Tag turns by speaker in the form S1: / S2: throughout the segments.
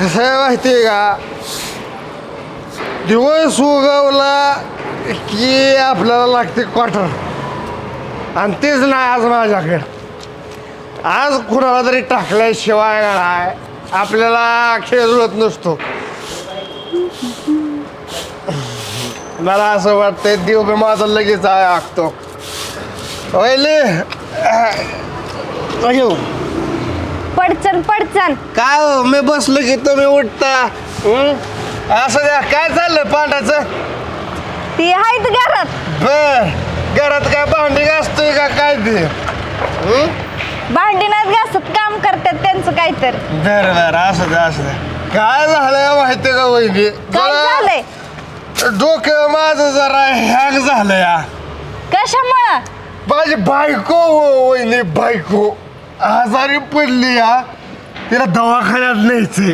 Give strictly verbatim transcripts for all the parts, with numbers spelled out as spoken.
S1: कसं आहे माहिती आहे का, दिवस उगवला की आपल्याला लागते क्वार्टर, आणि तेच नाही आज माझ्याकडे. आज कुणाला तरी टाकल्याशिवाय काय आपल्याला खेळ जुळत नसतो. मला असं वाटतंय देव बी माझा लगेच आखतो. पहिले
S2: पडचण पडचण
S1: काय हो, मी बसलो की तुम्ही उठता. हं? असं द्या, काय चाललंय पांढराचं?
S2: ती आहेत घरात.
S1: बर, घरात काय भांडी घासतोय का काय ते? हं?
S2: भांडी नाहीत घासत, काम करतात त्यांचं काय तर.
S1: बर बर, असं द्या असं द्या. काय झालंय माहितीये का वहिनी,
S2: काय झालंय?
S1: डोकं माझं जरा हँग झालं या.
S2: कशामुळं?
S1: माझी बायको हो, वहिनी बायको आजारी पडली या. तिला दवाखान्यात न्यायचंय.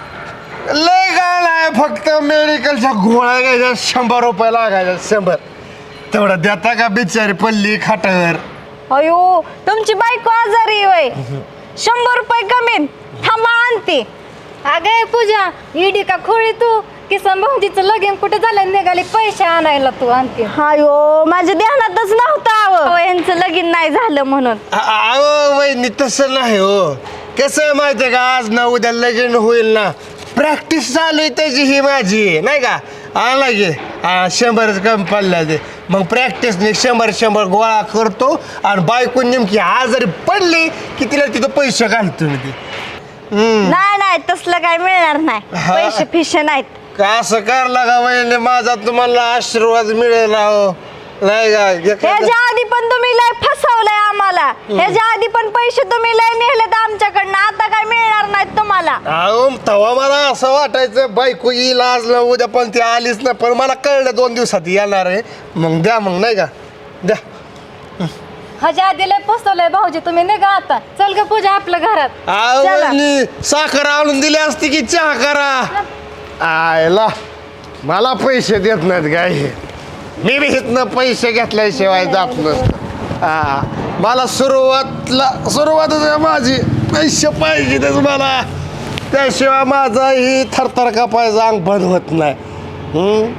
S1: लय काय नाही, फक्त मेडिकलच्या गोळ्या घ्यायच्या, शंभर रुपये लागायच्या, शंभर. तेवढं देता का बिचारी पडली खाटावर.
S2: अयो, तुमची बायको आजारी वय, शंभर रुपये कमी. थांबा आणते.
S3: अगं पूजा, इडी का खोळी तू? किसन भाऊजीचं लगीन कुठे झालं, निघाली पैसे आणायला तू आणखी.
S2: अयो, माझ्या ध्यानातच नव्हतं अहो यांचं लगीन नाही झालं म्हणून.
S1: अहो वहिनी, तसं नाही हो. कसं आहे माहिती आहे का, आज ना उद्या लगीन होईल ना. प्रॅक्टिस चालू आहे त्याची ही माझी, नाही का. आला की शंभरच कमी पडल्या ते. मग प्रॅक्टिसने शंभर शंभर गोळा करतो, आणि बायको नेमकी आजारी पडली की तिला तिथं पैसे घालतो मी ते.
S2: नाही नाही, तसलं काय मिळणार नाही.
S1: हा.
S2: पैसे फिशे नाहीत.
S1: का असं करला का वहिनी, माझा तुम्हाला आशीर्वाद मिळेल हो, नाही का.
S2: ह्याच्या आधी पण तुम्ही लय फसवलंय आम्हाला. ह्याच्या आधी पण पैसे तुम्ही लय नेलेत आमच्याकडनं. आता काय मिळणार नाहीत तुम्हाला.
S1: अहो तेव्हा मला असं वाटायचं बायको येईल आज ना उद्या, पण ती आलीच ना. पण मला कळलं दोन दिवसात येणार आहे. मग द्या, मग नाही का, द्या.
S3: ह्याच्या आधी लय फसवलंय भाऊजी, तुम्ही निघा आता. चल ग पूजा आपल्या घरात.
S1: अहो
S2: चला.
S1: वहिनी, साखर आणून दिली असती की चहा करा. आयला मला पैसे देत नाहीत काय हे. मी बी इथनं पैसे घेतल्याशिवाय जात नसतं. हा, मला सुरुवातला सुरुवातच आहे माझी, पैसे पाहिजेतच मला. त्याशिवाय माझा ही थरथर कापायचा अंग बंद होत नाही. हं?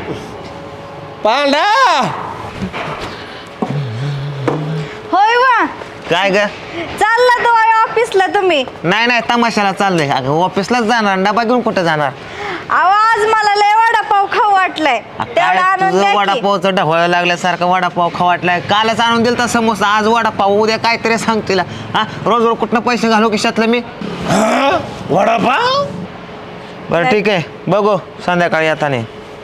S1: पांडा,
S2: होय वा,
S4: काय ग?
S2: चालला तो ऑफिसला तुम्ही?
S4: नाही नाही, तमाशाला चाललंय. अगं ऑफिसलाच जाणार, डबा घेऊन कुठं जाणार?
S2: अहो, आज मला लय वडापाव खाऊ वाटलाय. तेवढा
S4: काय
S2: आणून
S4: तुझं
S2: द्या की.
S4: वडापावचं ढवळ लागल्यासारखं वडापाव खाऊ वाटलाय. कालच आणून दिलता समोसा, आज वडापाव, उद्या काहीतरी सांग तिला. हा, रोज रोज कुठनं पैसे घालू खिशातलं मी?
S1: वडापाव.
S4: बरं ठीक आहे, बघू संध्याकाळी येताने.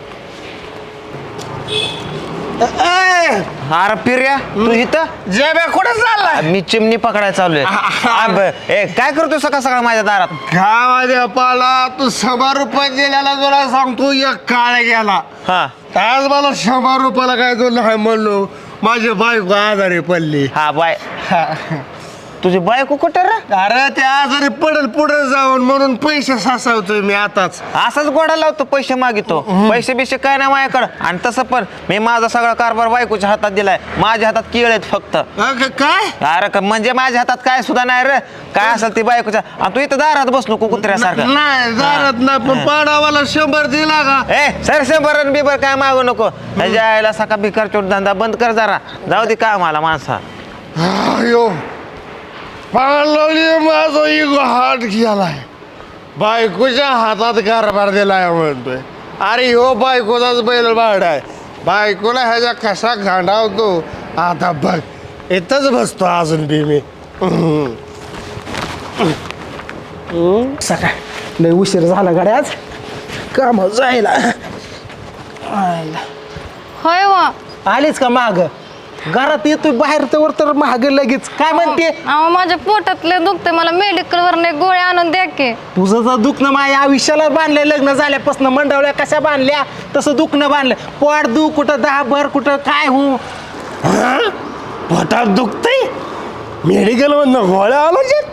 S4: अरे पिर्या, तू इथं
S1: जेब्या कुठे चाललाय?
S4: मी चिमणी पकडायला चाललोय. आ, ब- ए, काय करतोय सकाळ सकाळ माझ्या दारात?
S1: काय माझ्या पाला, तू शंभर रुपये दिल्याला तुला सांगतो एक काळ गेला.
S4: हा
S1: आज मला शंभर रुपयाला काय तुला काय म्हणलो, माझी बायको आजारी पडली.
S4: हा बाय. तुझी बायको कुठं रे?
S1: अरे ते आजारी पडेल पुढे जाऊन, म्हणून पैसे साचवतोय मी आताच.
S4: असाच गोडा लावतो, पैसे मागितो. पैसे बिशे काय नाही माझ्याकडं. आणि तसं पण मी माझा सगळा कारभार बायकोच्या हातात दिलाय. माझ्या हातात केळ आहेत फक्त.
S1: अगं, काय
S4: अरे का- म्हणजे माझ्या हातात काय सुद्धा नाही रे. काय असेल ती बायकोच्या. आणि तू इथं दारात बसलो कुत्र्यासारखं.
S1: नाही दारात नाही, पण पाडावाला शंभर दिला का?
S4: ए सर शंभर बिबर काय मागू नको. त्याच्या आईला सका भिकार चोट धंदा बंद कर जरा. जाऊ दे का मला माणसा.
S1: अयो, पाळली माझा इगो हात गेलाय. बायकोच्या हातात कारभार दिलाय म्हणतोय. अरे हो, बायकोचाच बैल बाड आहे. बायकोला ह्याच्या कसा गांडावतो आता बघ. इथंच बसतो अजून बी मी.
S5: सकाळ लय उशीर झाला गाड्या, आज काम जायला.
S3: होय वा.
S5: आलीच का माग? घरात येतोय बाहेर तर तर महाग लगेच. काय म्हणते?
S3: अहो, माझ्या पोटातले दुखते, मला मेडिकल वरने गोळ्या आणून द्या की.
S5: तुझं जर दुखणं माझ्या आयुष्याला बांधलंय, लग्न झाल्यापासून मंडवल्या कशा बांधल्या तसं दुखणं बांधलं. पोट दु कुठं दहा भर कुठं काय हो.
S1: पोटात दुखतंय, मेडिकल मधनं गोळ्या आलो.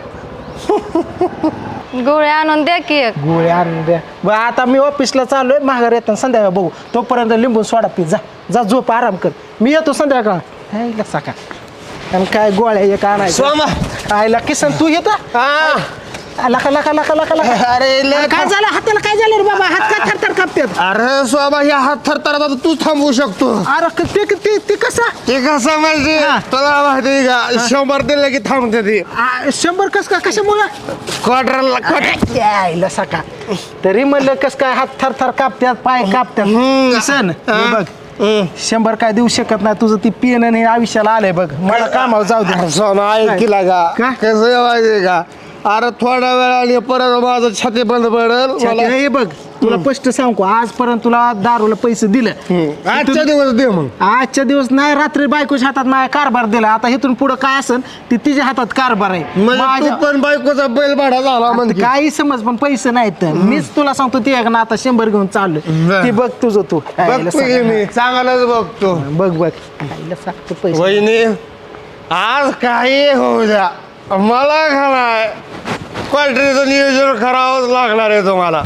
S3: गोळ्या आणून द्या की एक.
S5: गोळ्या आणून द्या. बरं, आता मी ऑफिसला चाललोय, माघार येताना संध्याकाळ बघू. तोपर्यंत लिंबू सोडा पी. जा जा, झोप आराम कर. मी येतो संध्याकाळ. हायला सकाळ. आणि काय गोळ्या एक आणायचं.
S1: सोमा,
S5: आयला किसन तू येतो?
S1: हा
S5: लका लका लका लका लका
S1: अरे लय
S5: काय झालं हाताला काय झालं रे बाबा हात का थरथर कापतात
S1: अरे स्वाबा ह्या हात थरथर आता तू थांबवू शकतो
S5: अरे क- ते ते ते कसं
S1: ते कसं म्हणजे तुला माहिती का शंभर दिलं की थांबते ती
S5: आ, शंभर कस का कशामुळं
S1: क्वार्टरला क्वार्टर
S5: यायला सका तरी म्हणलं कस काय हात थरथर कापतात पाय कापतात सण बघ शंभर काय देऊ शकत नाही तुझं ती पेन आणि आयुष्याला आलंय बघ मला कामावर जाऊ दे
S1: सोना ऐकला
S5: का?
S1: का कसं आहे माहिती का अरे थोड्या वेळाने परत माझं छाती बंद पडेल मला
S5: हे बघ तुला स्पष्ट सांगू आजपर्यंत तुला दारूला पैसे दिले
S1: आजच्या दिवस दे मग
S5: आजच्या दिवस नाही रात्री बायकोच्या हातात माझ्या कारभार दिला आता इथून पुढे काय असेल ती तिच्या हातात कारभार आहे
S1: म्हणजे
S5: माझ्या-
S1: तू पण बायकोचा बैल भाडा झाला म्हणजे
S5: काही समज पण पैसे नाहीत मीच तुला सांगतो ती ना आता शंभर घेऊन चाललोय
S1: बरं.
S5: ती बघ तुझं तू
S1: बघतो की मी चांगलाच बघतो
S5: बघ बघ आईला सांगतो पैसे
S1: वहिनी आज काही होऊ द्या मला खाणार क्वालिटीचं नियोजन करावंच लागणार आहे तुम्हाला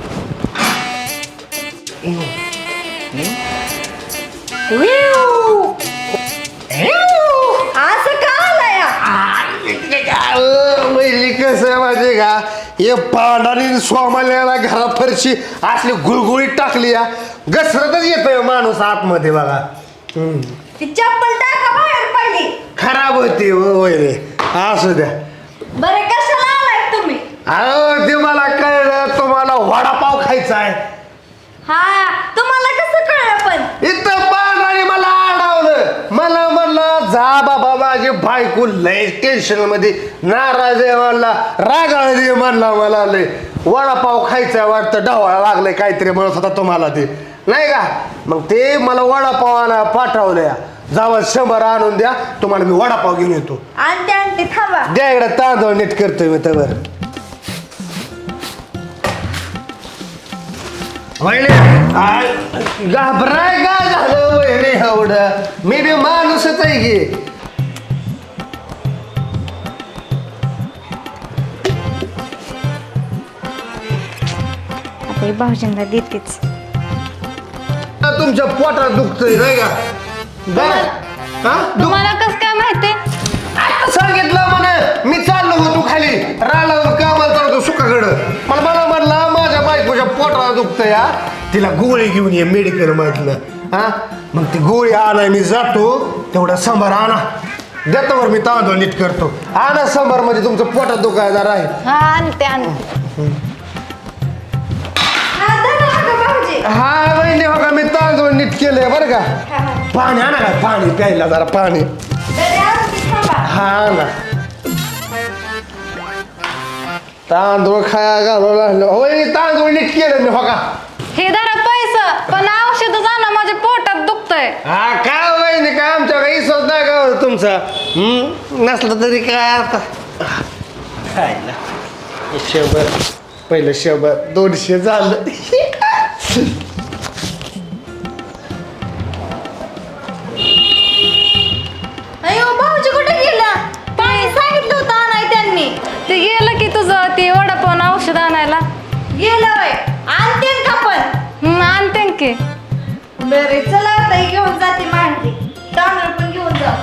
S2: असं का आलाय
S1: वहिनी कसं आहे माहिती का हे पांढरी स्वामाल्याला घरात फरशी असली गुळगुळीत टाकली या घसरतच येतोय माणूस आतमध्ये बघा
S2: ती चप्पल टाका बाहेर पहिली
S1: खराब होती हो वहिनी असू द्या
S2: बरं कशाला आलाय तुम्ही
S1: अहो ते मला कळलं तुम्हाला वडापाव खायचा आहे
S2: हा तुम्हाला कसं कळलं पण
S1: इथं पांढराने मला आडवलं मला म्हणलं जा बाबा माझी बायको लय टेन्शन मध्ये नाराज आहे म्हणला रागाळ दे म्हणला मला लय वडापाव खायचा वाटतं डावळा लागलाय काहीतरी म्हणत होता तुम्हाला ते नाही का मग ते मला वडापाव आणा पाठवलंय जावा शंभर आणून द्या तुम्हाला मी वडापाव घेऊन येतो
S2: आणते आणते थांबा
S1: द्या इकडे तांदूळ नीट करतोय मी तर घाबराय का झालं वहिनी एवढं मी बी माणूसच आहे की
S2: आता भाऊजींना देतेच
S1: तुमच्या पोटात दुखतंय नाही का बरं? हा? दुख-
S3: तुम्हाला कस काय माहिती
S1: सांगितलं म्हणे मी चाललो होतो खाली राळावर कामाला चालतो सुखाकडं मला मला म्हणला माझ्या बायकोच्या पोटाला दुखतंय या तिला गोळी घेऊन ये मेडिकल मधनं हा मग ती गोळी आणाय मी जातो तेवढा संभार आणा देतावर मी तांदूळ नीट करतो आणा संभार म्हणजे तुमचं पोटात दुखायला आहे
S3: हा आणते आणते
S2: हा धरा अगं भाऊजी
S1: हा वहिनी हो का मी तांदूळ नीट केलंय बरं का पाणी आणा काय पाणी प्यायला जरा पाणी
S2: जरा आणते थांबा
S1: हा ना तांदूळ खाया घालू लागलो वहिनी तांदूळ नीट केलं मी हो का
S3: हे धरा पैसा पण औषध आणा माझ्या पोटात दुखतंय
S1: हा काय वहिनी काय आमच्या काही विश्वास नाही का हो तुमचा हम्म? नसलं तरी काय आता खायला शंभर पहिलं शंभर दोनशे झालं
S2: अयो भाऊजी कुठे गेला पाणी सांगितलं होतं आणाय त्यांनी
S3: ते गेलं की तुझं ते वडापाव औषध आणायला
S2: गेलं होय आणते का पण
S3: हम्म, आणते की
S2: बरे चला आता ही घेऊन जाते मांडली तांदूळ पण घेऊन जा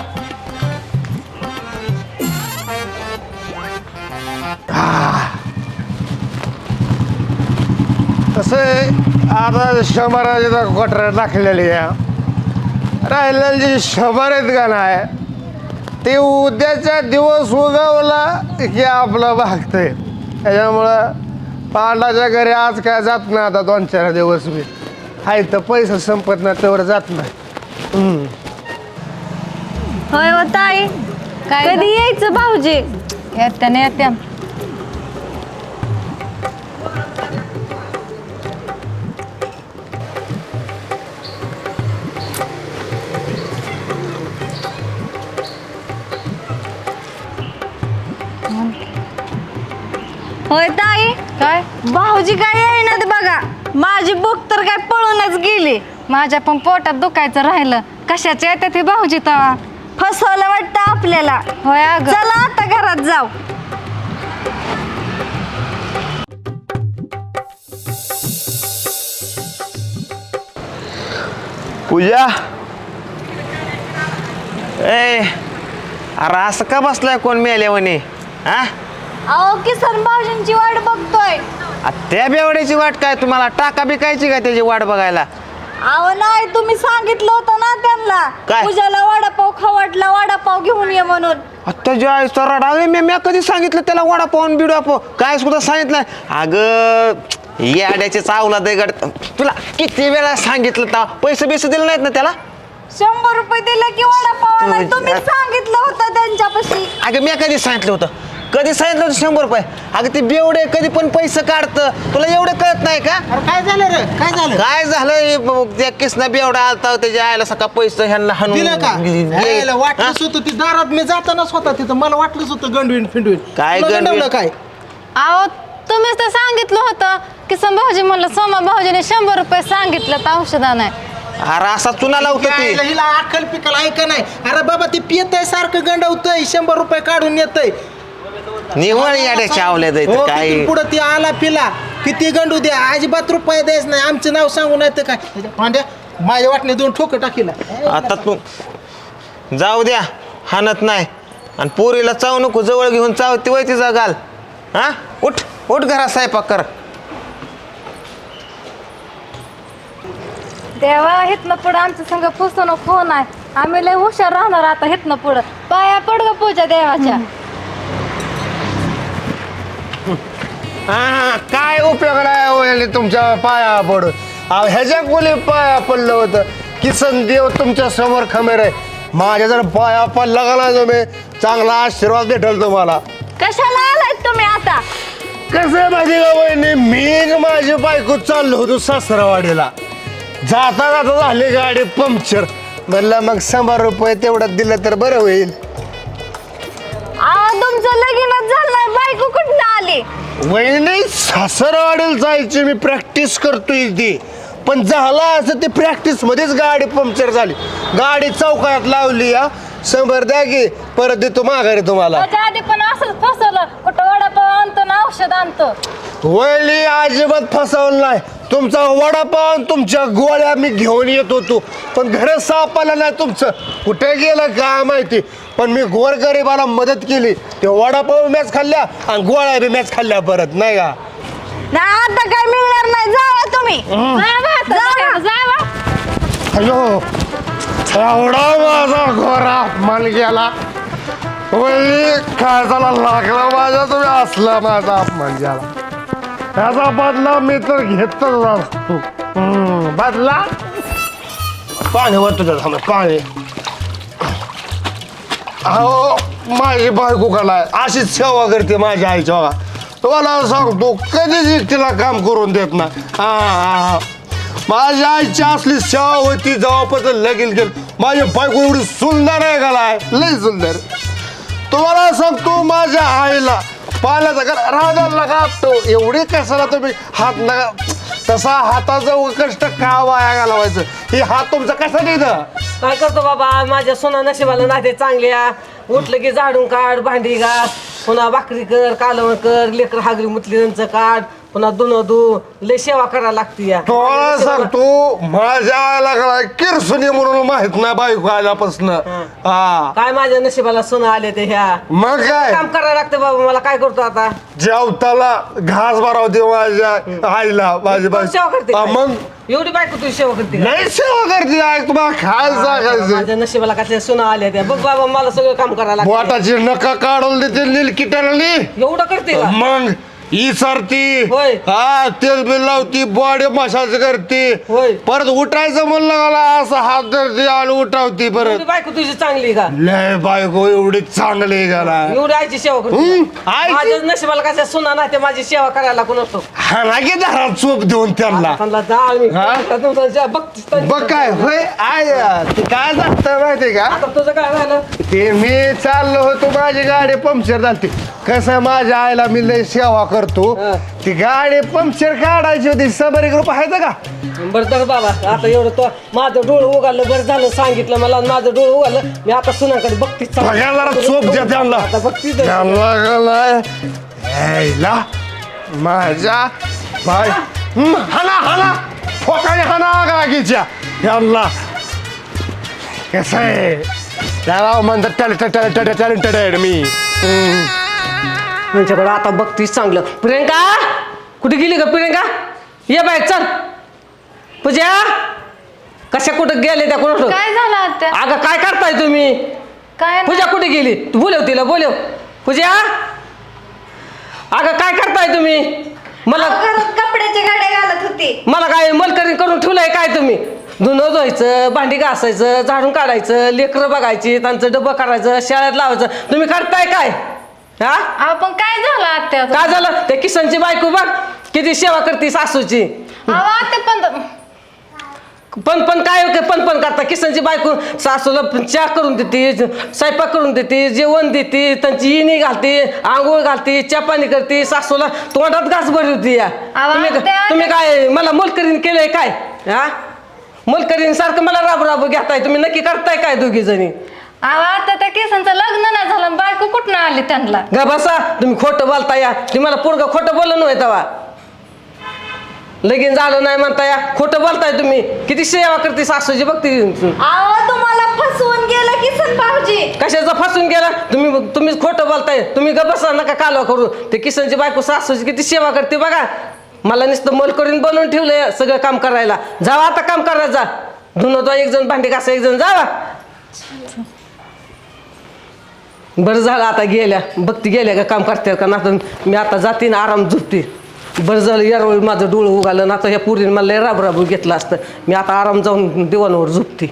S1: कसं आहे आता शंभराचे क्वार्टर टाकलेली आहे राहिलेले जे शंभर आहेत का नाही ते उद्याच्या दिवस उगवला की आपलं भागतंय त्याच्यामुळं पांडाच्या घरी आज काय जात नाही आता दोन चार दिवस मी आहे तर पैसा संपत नाही तेवढं जात नाही हम्म.
S2: होय हो ताई
S3: काय
S2: कधी यायचं भाऊजी
S3: येत्या ना येत्या
S2: होय ताई
S3: काय
S2: भाऊजी काय येईनात बघा माझी बुक तर काय पळूनच गेली
S3: माझ्या पण पोटात दुखायचं राहिलं कशाचे येतात हे भाऊजी तवा
S2: फसवलं वाटतं आपल्याला
S3: होय अगं
S2: चला आता घरात जाऊ
S4: पूजा ए अरे असं का बसलाय कोण मेल्यावानी हा
S2: अहो किसन भाऊजींची वाट बघतोय.
S4: आ, त्या बेवड्याची वाट काय तुम्हाला टाका बिकायची का त्याची वाट बघायला?
S2: अहो नाही, तुम्ही सांगितलं होतं ना त्यांना
S4: काय?
S2: पूजाला वडापाव खवटला, वडापाव घेऊन ये म्हणून.
S4: आता ज्या आईचा रडा मी मी कधी सांगितलं त्याला वडापाव आणि बिडापाव काय सुद्धा सांगितलं? अगं याड्याचे चावला दगड, तुला किती वेळा सांगितलं तर पैसे बिसे दिले नाहीत ना त्याला?
S2: शंभर रुपये दिले की वडापाव आणाय.
S4: तू-
S2: तुम्ही सांगितलं होतं त्यांच्यापाशी.
S4: अगं मी कधी सांगितलं होतं? कधी सांगितलं होतं शंभर रुपये? अगं ते बेवडे कधी पण पैसे काढतं, तुला एवढं कळत नाही का?
S5: अरे काय झालं रे, काय झालं?
S4: काय झालं हे ब- त्या किसना बेवडा आलता त्याच्या आईला सका पैसे ह्यांना हाणून
S5: दिलं का?
S4: गे-
S5: यायला
S4: हा?
S5: वाटलंच होतं ती दारात मी जातानाच होता तिथं, मला वाटलंच होतं गंडवीन फिंडवीन.
S4: काय
S5: तुला
S4: गंडवीन?
S5: गंडवलं काय?
S3: अहो तुम्हीच तर सांगितलं होतं की सम भाऊजी म्हणलं सोमा भाऊजीने शंभर रुपये सांगितलं तर औषधा नाही.
S4: अरे असा चुना लावतं
S5: यायला
S4: ती.
S5: हिला अक्कल पिकल ऐका नाही. अरे बाबा ते पियतय सारखं गंडवतय, शंभर रुपये काढून येतय.
S4: निवळ याड्याच्या आवल्या
S5: हो,
S4: काय
S5: किती पुढं ती आला पिला किती गंडू द्या, अजिबात रुपये द्यायच नाही. आमचं नाव सांगू नाही तर काय पांड्या माझ्या वाटणे दोन ठोकं टाकीला.
S4: आता तू जाऊ द्या, हाणत नाही. आणि पोरीला चाव नको, जवळ घेऊन चावती वय तिचा गाल. हा उठ उठ घरात स्वयंपाक कर.
S3: देवा हिथनं पुढं आमच्या संग फसवणूक होणार. आम्ही लय हुशार राहणार आता हिथनं पुढं. पाया पड ग पूजा देवाच्या.
S1: हा काय उपयोग नाही होईल तुमच्या पाया पडून. अहो ह्याच्या कोणी पाया पडलं होतं? किसन देव तुमच्या समोर खमेर आहे. माझ्या जर पाया पडला का नाही तुम्ही, चांगला आशीर्वाद भेटल तुम्हाला.
S2: कशाला आलात तुम्ही आता?
S1: कसं आहे माहिती का वहिनी, मी माझी बायको चाललो होतो सासरवाडीला. जाता जाता झाली गाडी पंक्चर. म्हणलं मग शंभर रुपये तेवढं दिलं तर बरं होईल.
S2: अहो तुमचं लगीनच झालं नाही, बायको कुठं आली?
S1: वहिनी सासरवाडीला जायची मी प्रॅक्टिस करतोय ती, पण झालं असं ते प्रॅक्टिस मध्येच गाडी पंक्चर झाली. गाडी चौकात लावली. या शंभर द्या की परत देतो माघारी तुम्हाला.
S3: त्याच्या आधी पण असंच फसवलं, कुठं वडापाव आणतो ना औषध आणतो.
S1: वहिनी अजिबात फसवलं नाही. तुमचा वडापाव आणि तुमच्या गोळ्या मी घेऊन येत होतो, पण घर सापडलं नाही तुमचं. कुठे गेलं काय माहिती, पण मी गोरगरिबाला मदत केली. ते वडापाव मॅच खाल्ल्या आणि गोळ्या बी मॅच खाल्ल्या परत, नाही का?
S2: ना आता काय मिळणार नाही, जावा तुम्ही.
S3: जावा आता,
S2: जावा.
S3: जावा.
S1: अयो एवढा माझा गोरा अपमान गेला. वहिनी काय झाला लागला माझ्या, तुम्ही असला माझा अपमान झाला. त्याचा बदला मी तर घेतच असतो. हम्म, बदला पाणी वर तुझ्या समोर पाणी. अहो माझी बायको कला अशीच सेवा करते माझ्या आईच्या बघा. तुम्हाला सांगतो कधीच तिला काम करून देत ना. हा हा माझ्या आईची असली सेवा होती जेव्हापासून लगीन केलं. माझी बायको एवढी सुंदर आहे का, लय सुंदर. तुम्हाला सांगतो माझ्या आईला पाण्याचा कर राजाला का तो एवढी कशाला तुम्ही हात नका, तसा हाताचं कष्ट का वाया घालवायचं. हे हात तुमचा कसा नाही इथं?
S6: काय करतो बाबा, माझ्या सोना नशिबाला नाते चांगल्या. उठलं की झाडून काढ, भांडी घास, पुन्हा भाकरी कर, कालवण कर, लेकर हागरी मुतली त्यांचं काढ, पुन्हा धुणं धु, लय सेवा करायला लागते या.
S1: तुम्हाला सांगतो माझ्या आईला काय किरसुनी म्हणून माहित नाही बायको आल्यापासून. हा
S6: काय माझ्या नशिबाला सोना आले ते ह्या.
S1: मग काय
S6: काम करायला लागतं बाबा, मला काय करतो आता.
S1: जेवताला घास भरावते माझ्या आईला माझी
S6: सेवा करते
S1: बायको.
S6: काय?
S1: मग
S6: एवढी बायको तुझी सेवा करते का?
S1: नाही सेवा करते आई, तुम्हाला खायला सांगायचं.
S6: माझ्या नशिबाला कसल्या सोना आल्या त्या. बघ बाबा मला सगळं काम करायला लागतं.
S1: बोटाची नका काढून देते निलकिटारली.
S6: एवढं करते का?
S1: मग ही सरती
S6: होय.
S1: हा तेल बिल लावती, बॉडी मसाज करते.
S6: होय.
S1: परत उठायचं म्हणलं मला असं हात धरते आणि उठावती
S6: एवढी
S1: परत.
S6: बायको तुझी चांगली का?
S1: लय बायको एवढी चांगली गेला.
S6: एवढी आईची सेवा करते
S1: हम्म,
S6: का?
S1: आईची?
S6: माझ्या नशिबाला कसल्या सोना नाही ते माझी सेवा करायला कोण असतो.
S1: हा ना की दारात चोप देऊन त्यांना.
S6: त्यांना डाळ मी
S1: हा?
S6: तुमच्या बघतीस तर.
S1: बघ काय होय आय ते काय जात माहिती का,
S6: आता तुझं काय झालं?
S1: ते मी चाललो होतो माझी गाडी पंक्चर झाली. कसं माझ्या आईला मी लय सेवा करतो.
S6: हा.
S1: ती गाडी पंक्चर काढायची होती. शंभर एक रुपये आहेत का?
S6: बरं तर बाबा आता एवढं तो माझं डोळं उघडलं, बरं झालं सांगितलं मला. आणि माझं डोळं उघडलं, मी आता सुनाकडे बघतीच चालू.
S1: बघा जरा चोप द्या त्यांना.
S6: आता बघतीच आहे.
S1: त्यांना काय यायला माझ्या बाय हम्म, हाना हाना फोकाने हाना गागीच्या यांना. कसं आहे त्याला म्हणतात टॅलेंटेड टॅलेंटेड टॅलेंटेड मी. हम्म.
S6: त्यांच्याकडे आता बघतीस चांगलं. प्रियंका कुठे गेली का प्रियंका? ये बाय चल. पूजा कशा कुठं गेले त्या कोण?
S3: काय झालं आत्या?
S6: अगं काय करताय तुम्ही?
S3: काय
S6: पूजा कुठे गेली? तू बोलव तिला, बोलव. पूजा अगं काय करताय तुम्ही? मला
S2: घरात कपड्याच्या गाड्या घालत होती.
S6: मला काय मलकरी करून ठेवलंय काय तुम्ही? धुणं धुवायचं, भांडी घासायचं, झाडून काढायचं, लेकरं बघायची, त्यांचं डब्बं करायचं, शाळेत लावायचं. तुम्ही करताय काय? हा
S3: अहो पण काय झालं आत्या?
S6: काय झालं? ते किसनची बायको बघ किती सेवा करते सासूची.
S3: अहो आत्या पण
S6: पण पण काय होते पण पण करता. किसनची बायको सासूला चहा करून देते, स्वयंपाक करून देते, जेवण देते, त्यांची इणी घालते, आंघोळ घालते, चपानी करते, सासूला तोंडात घास भरली होती या.
S3: आवा,
S6: तुम्ही
S3: त्या-
S6: तुम्ही काय मला मोलकरीन केलंय काय? हा मोलकरीन सारखं मला राबू राबू घेताय तुम्ही. नक्की करताय काय दोघी जणी?
S3: अहो आता त्या केसांचं लग्न नाही झालं, बायको कुठनं आली त्यांना?
S6: गा बसा तुम्ही खोटं बोलता या. ती मला पोरगं खोटं बोललं नव्हे तेव्हा. लगीन झालं नाही म्हणता या, खोटं बोलताय तुम्ही. किती सेवा करते सासूची बघते.
S2: अहो तुम्हाला फसवून गेलं किसन भाऊजी.
S6: कशाचं फसून गेला तुम्ही? तुम्ही खोटं बोलताय. तुम्ही ग बसा नका कालवा करू. ते किसनची बायको सासूची किती सेवा करते बघा. मला नुसतं मोल करून बनवून ठेवलंय सगळं काम करायला. जावा आता काम करायला जा. धुणं तो एक जण, भांडी घासा एक जण, जावा. बरं झालं आता गेल्या, बघती गेल्या का काम करते का ना. मी आता जाते ना आराम झोपते. बरं झालं यावेळी माझं डोळं उगालं ना. आता ह्या पुरीने मला लय राब राबू घेतलं असतं. मी आता आराम जाऊन दिवाणावर झोपते.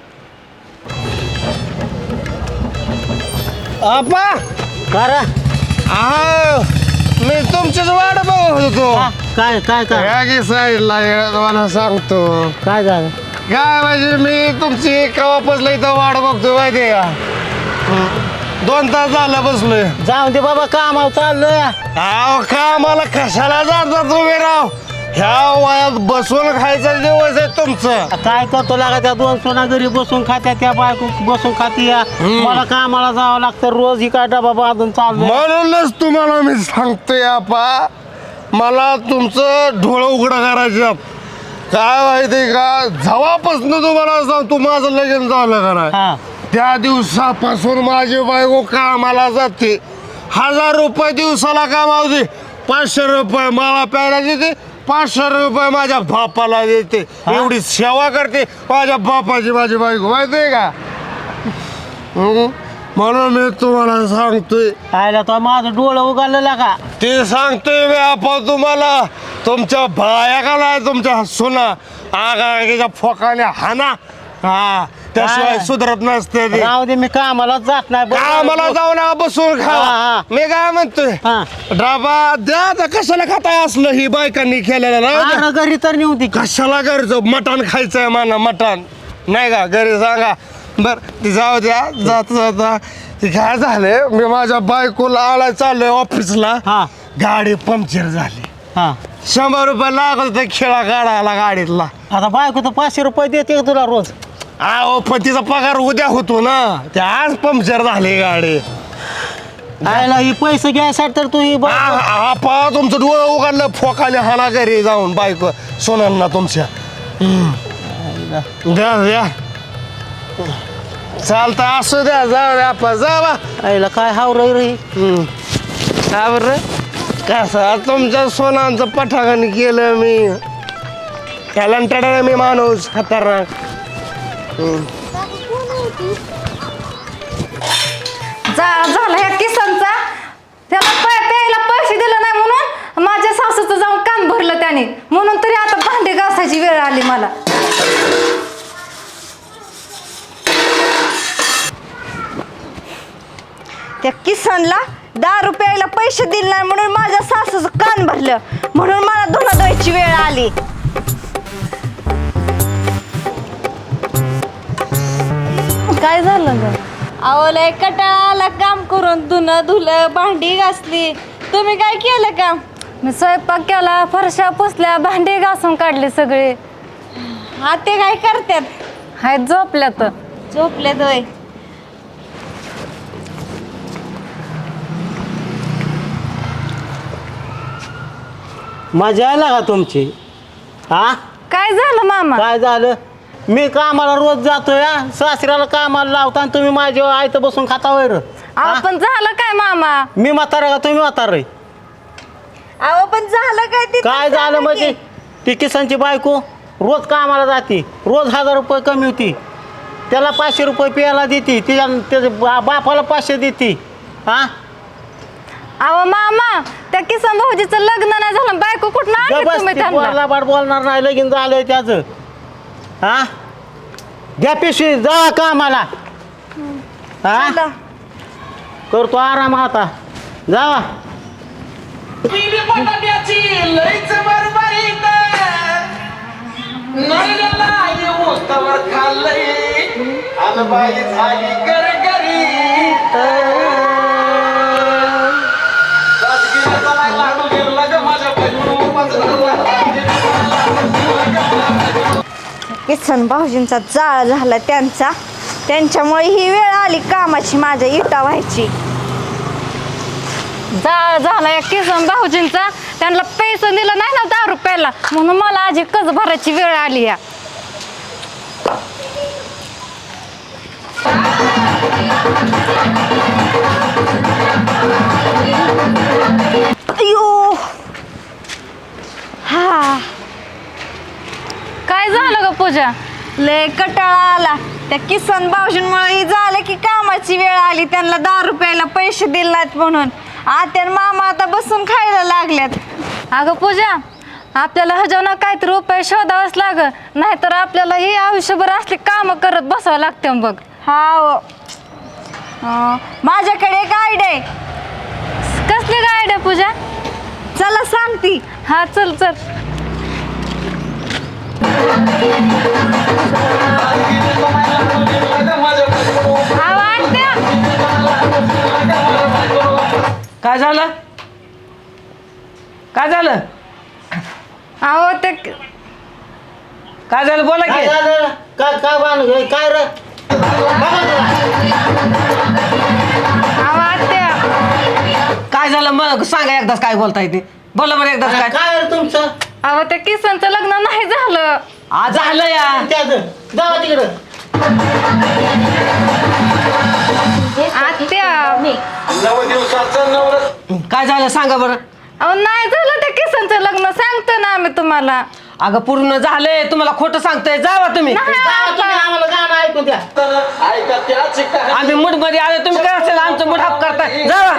S1: आपा
S5: करा
S1: आहो मी तुमचीच वाट बघत होतो.
S5: काय काय काय
S1: या की साईडला या तुम्हाला सांगतो.
S5: काय झालं?
S1: काय म्हणजे मी तुमची कवापासला इथं वाट बघतो माहिती का. दोन तास झालं बसलोय.
S5: जाऊन दे बाबा, कामावर चाललोय.
S1: अहो का मला कशाला जाता तुम्ही राव. ह्या वयात बसून खायचं दिवस आहे तुमचं.
S5: काय करतो लागा, त्या दोन सोना घरी बसून खात्या, त्या बायको बसून खाती. मला कामाला जावं लागतं रोज. ही काय डबा बांधून चाललोय.
S1: म्हणूनच तुम्हाला मी सांगतोय आपा, मला तुमचं डोळं उघडं करायचं. काय माहिती का, जेव्हापासून तुम्हाला सांगतो माझं लगीन झालं का नाही,
S5: हा
S1: त्या दिवसापासून माझी बायको कामाला जाते. हजार रुपये दिवसाला कामावते. पाचशे रुपये मला प्यायला देते, पाचशे रुपये माझ्या बापाला देते. एवढी सेवा करते माझ्या बापाची माझी बायको माहितीये का. हम्म. म्हणून मी तुम्हाला सांगतोय,
S5: आयला तो माझं डोळं उगालं लागा.
S1: ते सांगतोय मी आपण तुम्हाला. तुमच्या बाया का नाही तुमच्या सुना आगाच्या फोकाने हाना. हा त्याशिवाय
S5: काय?
S1: सुधरत नसते ते.
S5: राहू दे, मी कामाला जात नाही.
S1: कामाला जाऊ ना, बसून
S5: हा,
S1: खा.
S5: हा.
S1: मी काय म्हणतोय,
S5: हा.
S1: डबा द्या आता. कशाला खाताय असलं ही बायकांनी केलेलं ना.
S5: अरे घरी तर नेऊ दे.
S1: कशाला घरचं मटण खायचंय मला, मटण नाही का घरी सांगा. बर ती जाऊ द्या. जाता जाता ते काय झालं, मी माझ्या बायकोला आला चाललोय ऑफिसला.
S5: हा
S1: गाडी पंक्चर झाली.
S5: हा
S1: शंभर रुपये लागत होते खेळा काढायला गाडीतला.
S5: आता बायको तर पाचशे रुपये देते का तुला रोज?
S1: अहो पण तिचा पगार उद्या होतो ना. ते आज पंक्चर झाली गाडी.
S5: आयला ही पैसे घ्यायसाठी तर तू ही बा-
S1: आपा तुमचं डोळं उघडलं फोकाले हाना घरी जाऊन बायको सोनांना तुमच्या. हम्म. द्या द्या चालतं असू द्या. जाऊ द्या आपा जावा.
S5: आईला काय हाव रे.
S1: का बरं कसं तुमच्या सोनांचं पठागण केलं मी. टॅलेंटेड आहे मी माणूस खतरनाक.
S3: जा झालं ह्या किसनचा. त्याला पै- प्यायला पैसे दिले नाही म्हणून माझ्या सासूचं जाऊन कान भरलं त्याने. म्हणून तरी आता भांडे घासायची वेळ आली मला.
S2: त्या किसनला दारू प्यायला पैसे दिले नाही म्हणून माझ्या सासूचं कान भरलं. म्हणून मला धुणं धुवायची वेळ आली.
S3: काय झालं ग?
S2: अहो लय कटाळा आला काम करून. धुणं धुलं, भांडी घासली. तुम्ही काय केलं काम?
S3: मी स्वयंपाक केला, फरशा पुसल्या, भांडे घासून काढले सगळे.
S2: हा ते काय करतात?
S3: हाय झोपल्या तर.
S2: झोपले दोय.
S5: मजा आला का तुमची? हा
S3: काय झालं मामा?
S5: काय झालं? मी कामाला रोज जातोय. हा सासऱ्याला कामाला लावता आणि तुम्ही माझ्या आयत बसून खाता वैर.
S3: अहो पण झालं काय मामा?
S7: मी म्हातारा का तुम्ही म्हातारा आहे?
S2: अहो पण झालं काय ते तर
S7: काय झालं
S2: सांगा
S7: म्हणजे
S2: की.
S7: ती किसनची बायको रोज कामाला जाते, रोज हजार रुपये कमी होती, त्याला पाचशे रुपये प्यायला देते, तिच्या त्याच्या बा- बापाला पाचशे देते. हा
S3: अहो मामा, त्या किसन भाऊजीचं लग्न नाही झालं, बायको कुठं आणली
S7: बस
S3: तुम्ही
S7: ती
S3: त्यांना?
S7: पोराला बाड बोलणार नाही, लगीन झालंय त्याचं. हा द्या पिशवी, जा कामाला. हा
S2: चला.
S7: करतो आराम आता, जावा.
S2: किसन भाऊजींचा जाळ झाला त्यांचा, त्यांच्यामुळे ही वेळ आली कामाची माझ्या इटा व्हायची.
S3: जाळ झाला या किसन भाऊजींचा, त्यांना पैसे दिलं नाही ना दहा रुपयाला, म्हणून मला आजी कर्ज भरायची वेळ आली या.
S2: अयो हा,
S3: काय झालं ग पूजा?
S2: लय कटाळा आला. त्या किसन भाऊजींमुळे ही झालं की कामाची वेळ आली, त्यांना दहा रुपयाला पैसे दिले नाहीत म्हणून आत्या आणि मामा आता बसून खायला लागल्यात.
S3: अगं पूजा, आपल्याला ह्याच्यावर काहीतरी उपाय शोधावाच लाग, नाहीतर आपल्याला ही आयुष्यभर असली कामं करत बसावं लागते बघ.
S2: हा हो. अं, माझ्याकडे एक आयडिया आहे.
S3: कसली काय आयडिया पूजा?
S2: चला सांगती.
S3: हा चल चल. हा वाटत्या.
S6: काय झालं? काय झालं?
S3: अहो ते
S6: काय झालं बोला
S7: काय
S6: की.
S7: झालं? काय काय बांध काय रे?
S3: अहो आत्या,
S6: काय झालं मग सांगा एकदाच, काय बोलताय ते बोला बरं एकदाच. काय
S7: काय रे तुमचं?
S3: अहो त्या किसनचं लग्न नाही झालं.
S6: आज झालं या.
S7: त्याचं जावा तिकडं.
S3: आत्या,
S6: काय झालं सांगा बरं.
S3: अहो नाही झालं त्या किसनचं लग्न, सांगतो ना आम्ही तुम्हाला.
S6: अगं पूर्ण झालंय, तुम्हाला खोटं सांगतोय, जावा तुम्ही.
S3: नाही
S7: जावा तुम्ही,
S3: आता.
S7: आम्हाला गाणं ऐकून द्या.
S6: आम्ही मूड मध्ये आलो, तुम्ही काय असेल आमचं मूड हाप करताय, जावा.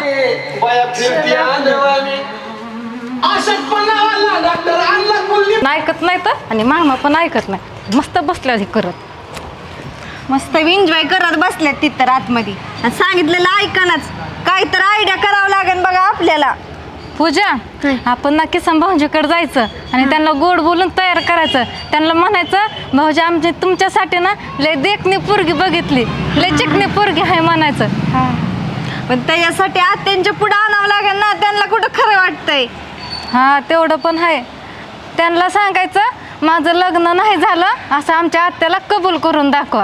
S3: ऐकत नाही तर, आणि मामा पण ऐकत नाही, मस्त बसल्या हे करत.
S2: मस्त एन्जॉय करत बसल्यात तिथं आतमध्ये आणि सांगितलेलं ऐकणच. काय तर आयडिया करावं लागेल बघा आपल्याला.
S3: पूजा, आपण ना किसन भाऊजीकडे जायचं आणि त्यांना गोड बोलून तयार करायचं. त्यांना म्हणायचं, भाऊजी आमची तुमच्यासाठी ना लय देखणी पोरगी बघितली, लय चिकणी पोरगी आहे म्हणायचं.
S2: पण त्याच्यासाठी आत्यांच्या पुढे आणावं लागेल ना, त्यांना कुठं खरं वाटतंय.
S3: हा तेवढं पण आहे. त्यांना सांगायचं माझं लग्न नाही झालं असं आमच्या आत्याला कबूल करून दाखवा.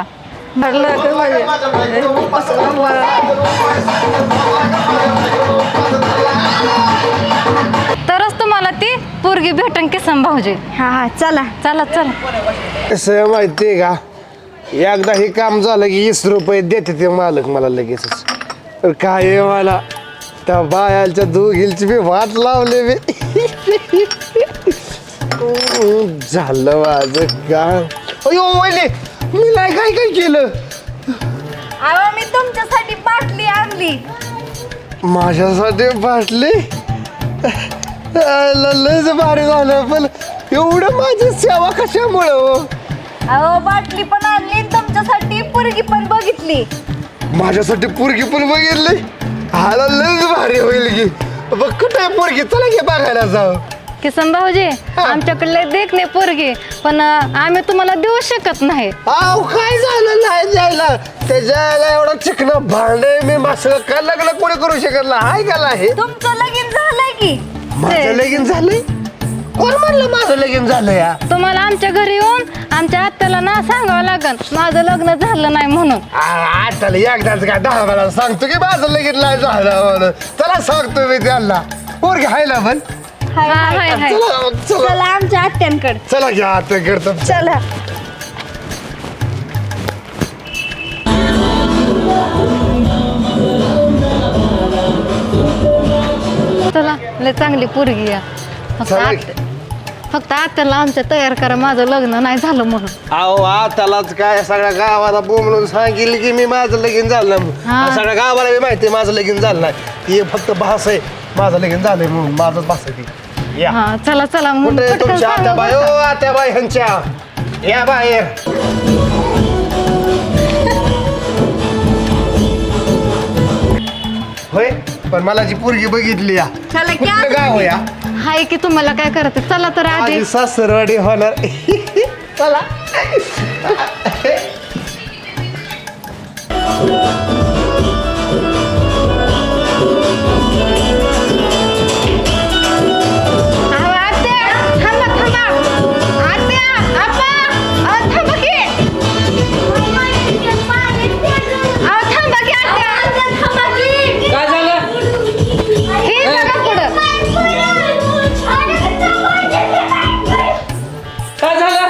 S3: तरच तुम्हाला ती पोरगी भेटन किसन भाऊजी.
S2: हा हा चला.
S3: चला चला.
S1: कसं माहितीये का, एकदा हे काम झालं की वीस रुपये देते ते मालक मला लगेचच. तर काय आहे मला त्या बायाच्या दोघींची मी वाट लावले मी. झालं माझं काम. अयो वैले, मी नाही काय काय केलं.
S2: अहो मी तुमच्यासाठी बाटली आणली.
S1: माझ्यासाठी बाटली लयच भारी झालं, पण एवढं माझी सेवा कशामुळे हो.
S2: अहो बाटली पण आणली आणि तुमच्यासाठी पोरगी पण बघितली.
S1: माझ्यासाठी पोरगी पण बघितली. हाला लयच भारी होईल की. बघ कुठे आहे पोरगी, चला की बघायला जाऊ.
S3: किसन भाऊजी, आमच्याकडले देख नाही पोरगी, पण अं, आम्ही तुम्हाला देऊ शकत नाही.
S1: आव काय झालं नाही द्यायला, त्याच्याला एवढं चिकन भांडे मी मासं काय लग्न कोणी करू शकत नाही. हाय का नाही,
S2: तुमचं लगीन झालंय की.
S1: माझं लगीन झालंय. कोण म्हणलं माझं लगीन झालं या.
S3: तुम्हाला आमच्या घरी येऊन आमच्या आत्याला ना सांगावं लागल माझं लग्न झालं नाही म्हणून.
S1: आता एकदाच काय दहा वेळा सांगतो की माझं लगीन नाही झालं म्हणून. चला सांगतो मी त्यांना, पोरगी हाय ना पण.
S2: हाय,
S3: हा,
S2: हाय.
S3: हाय, हाय.
S1: चला चला
S2: चला आमच्या आत्यांकडे.
S1: चला घ्या आता करतो.
S2: चला.
S3: तुला लय चांगली पोरगी आहे फक्त
S1: चला की.
S3: आत- फक्त आत्याला आमच्या तयार करा माझं लग्न नाही झालं म्हणून.
S1: अहो आतालाच काय सगळ्या गावाला बोंबलून सांगितलं की मी माझं लगीन झालं म्हणून.
S3: हा.
S1: आणि सगळ्या गावाला मी माहिती माझं लगीन झालं नाही हे फक्त भास आहे माझं लगीन झालंय म्हणून माझंच भास आहे ती. या
S3: हा चला चला मग
S1: कुठे
S3: पटकन
S1: तुमच्या
S3: सांगा
S1: आत्याबाई ओ
S3: बरं.
S1: आत्याबाई ह्यांच्या या बाहेर होय पण मला जी पोरगी बघितली या
S2: चला की
S1: कुठलं
S2: आता
S1: गाव या
S3: हाय की तुम्हाला काय करायचं चला तर आधी
S1: माझी सासरवाडी होणार चला
S3: अहो, आत्या, थांबा, थांबा. आत्या, आप्पा, अहो, थांबा की. अहो, थांबा की, आत्या.
S6: काय झालं
S3: हे बघा पुढं.
S6: काय झालं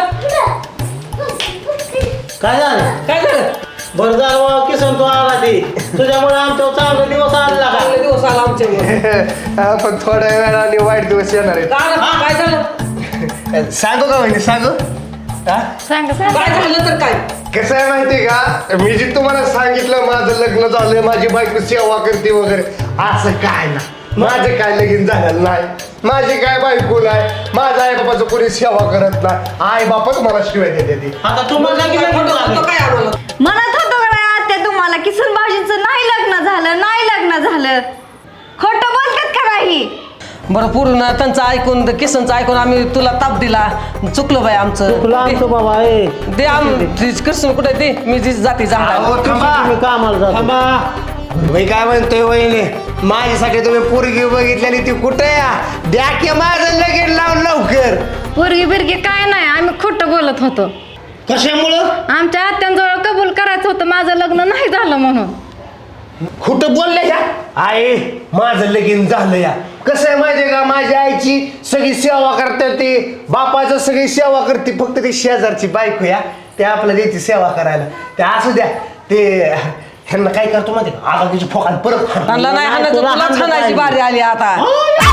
S7: काय झालं
S6: काय झालं
S7: बरं झालं बाबा, किसन तू आला ती तुझ्यामुळे आमच्या चांगला दिवस आला का
S6: चांगले दिवस आला आमच्या
S1: पण थोड्या वेळाने वाईट दिवस येणार
S6: काय झालं
S1: आहेत सांगू का म्हणजे सांगू हा?
S3: सांगा सांगा
S6: काय झालं तर काय
S1: कसं आहे माहिती का मी जे तुम्हाला सांगितलं माझं लग्न झालंय माझी बायको सेवा करते वगैरे असं काय ना माझं काय लगीन झालेलं नाही माझी काय बायको नाही माझ्या आई बाबाचं कोणी सेवा करत नाही आई बापच मला शिवाय देते ती
S7: आता तुम्हाला किती
S6: खोटं
S7: फोटो
S6: बोलतो काय आम्हाला
S2: म्हणत होतो का नाही आत्या तुम्हाला किसन भाऊजींचं नाही लग्न झालं नाही लग्न झालं खोटं बोलतात का नाही
S6: बरं पूर्ण त्यांचं ऐकून किसनचं ऐकून आम्ही तुला ताप दिला चुकलं बाई आमचं
S7: तुला आमचं बाबा ए
S6: दे आम कृष्ण कुठे ते मी जी जाती जाणार
S1: अहो, थांबा.
S7: तुम्ही कामाला जातो
S1: थांबा मी काय म्हणतोय वहिनी माझ्यासाठी तुम्ही पोरगी बघितलेली ती कुठे या द्या की माझं लगीन लावून लवकर
S3: पोरगी बिरगी काय नाही आम्ही खोटं बोलत होतो
S7: कशामुळं
S3: आमच्या आत्यांजवळ कबूल करायचं होतं माझं लग्न नाही झालं म्हणून
S1: खोटं बोलले या आई माझं लगीन झालं या कसं आहे माहितीये का माझ्या आईची सगळी सेवा करते ती बापाचं सगळी सेवा करते फक्त ती शेजारची बायको या ते आपल्या द्यायची सेवा करायला ते असू द्या ते ह्यांना काय करतो माहिती का आगाकीची फोकाल परत हाणतो.
S6: त्यांना नाही हाणायचं तुला हाणायची बारी आली आता